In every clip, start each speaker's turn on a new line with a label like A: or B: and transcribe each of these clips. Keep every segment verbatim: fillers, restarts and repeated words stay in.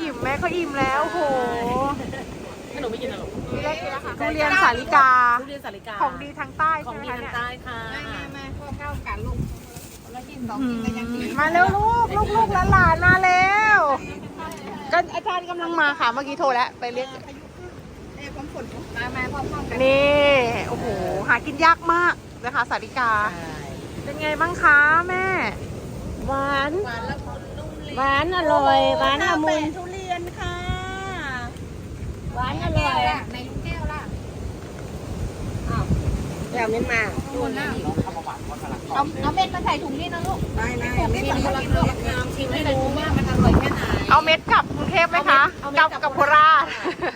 A: อิ่มแม่ก็อิ่มแล้วโห
B: ขนมไม่กินหรอ
A: มีแรกกินแล้วค่ะทุเรียนสาลิกา
B: ทุเรียนสาลิกา
A: ของดีทางใต้
B: ขอ
A: ใช่
B: ง
A: ไหม
B: ดี
A: คะ
B: ทาง
A: เนี่ย
B: ใต้ค่ะ
C: มามาพ่อเข้ากันลูกแล้วกินสองกินก็ยังดี
A: มาเร็วลูกลูกลูกหลานๆมาแล้วก็อาจารย์กำลังมาค่ะเมื่อกี้โทรแล้วไปเรียก
C: เอ้ความฝนมามาพ่อเข้ากัน
A: นี่โอ้โหหากินยากมากนะคะสาลิกา เป็นไงบ้างคะแม่
D: หวาน
C: หวานละมุนนุ่มลิ้น
D: หวานอร่อยหวานละมุน
C: ทุเรียนค่ะ
D: หวานอร่อย
C: ในลูกแก้วล่ะ
D: เราไม่มา
C: ดูนะเอาเอาเม็ดมาใส่ถุงนี่นะลูกได้ได้เม็ดมากินลูกชิมให้รู้ว่ามันอร่อยแค่ไหน
A: เอาเม็ดกลับกรุงเทพไหมคะกลับกับโคราช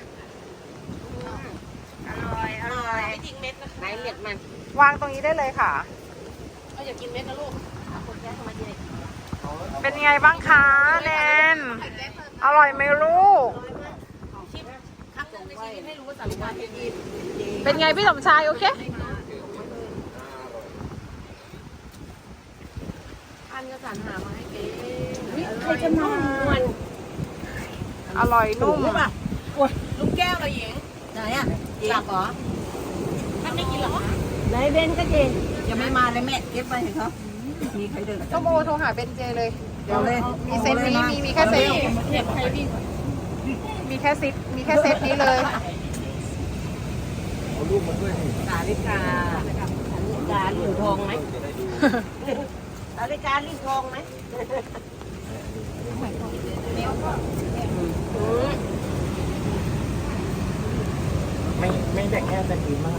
C: อร่อยอร่อย
B: ไม่ทิ้งเม็ดนะ
D: ไหนเม็ดมัน
A: วางตรงนี้ได้เลยค่ะ
B: เอาอย่ากินเม็ดนะลูกคนแก่ทำไมเด็ก
A: เป็นไงบ้างคะแนนอร่อยไหมลูก
B: ชิมครั้งหนึ่งในชีวิตให้รู้ว่าสาลิกาเป็นดี
A: เป็นไงพี่สมชายโอเค
B: อันก็สรรหามาให้เก๋
D: ใครจะมาวัน
A: อร่อยนุ่ม
B: ลูกแก้วละหญิง
C: ไหนอ่ะ
B: หลับเหรอท่านไม่กินหรอ
D: ไหนเบนก็เจน
C: ยังไม่มาเลยแม่เก็บไปเห็นเขามีใครเดิน
A: ส้มโอโทรหาเบนเจเลย
C: เดี๋ยวเลย
A: มีเซตนี้มีมีแค่เซตนี้
B: เห็นใครวิ่ง
A: มีแค่ซิปมีแค่เซตนี้เลย
D: สาลิกาสาลิกาลิ้นทองไหมสาลิกาลิ้นทองไหม
E: ไม่ไม่แต่แค่จะกินมาก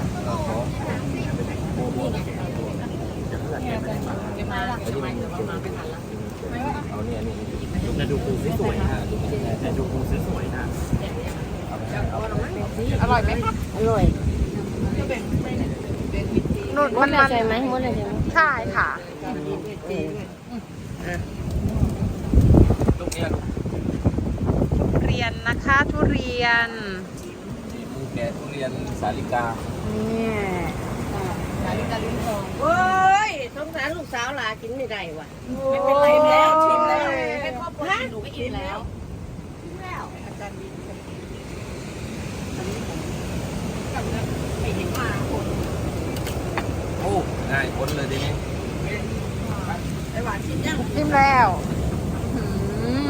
B: เก็บมาละเก็บมาเดี๋ยวมาไม่ทันละ
E: เอาเนี่ยนี่ดูแต่ดูปูสวยๆนะดูแต่ดูปูสวยๆนะ
A: อร่อยไหมคะ
D: อร่อย
A: นุ่น
D: ม
A: มั
D: ด
A: น
D: เลย
A: มัน
D: ใช่ไหมมดเลยใช่ไหม
A: ใช่ค่ะ
E: ลูกเนี่ยลูก
A: ทุเรียนนะคะทุเรียน
E: นี่ปูแกะทุเรียนสาลิกา
A: นี่
D: โอ้ยสงสารลูกสาวหลากินไม่ได้ว่ะ
B: ไม่เป็นไรแล้วชิมแล้วเป็นครอบครัวหนูก็อิ่มแล้ว
E: โอ้ง่ายพ้นเลยทีนี้
A: ชิมแล้วอืม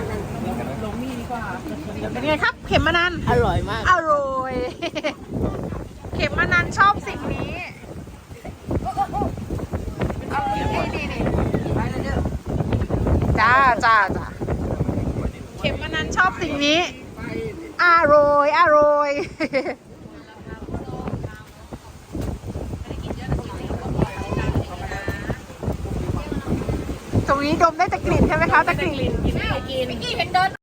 A: เป็นไงครับ เข็มมะนัน
D: อร่อยมาก
A: อร่อย เข็มมะนันชอบสิ่งนี้เอานี่นี่นี่จ้าจ้าจ้าเข็มมะนันชอบสิ่งนี้ อร่อย อร่อย ตรงนี้ดมได้แต่กลิ่นใช่ไหมคะแต่กลิ่น
B: กินไม่กิน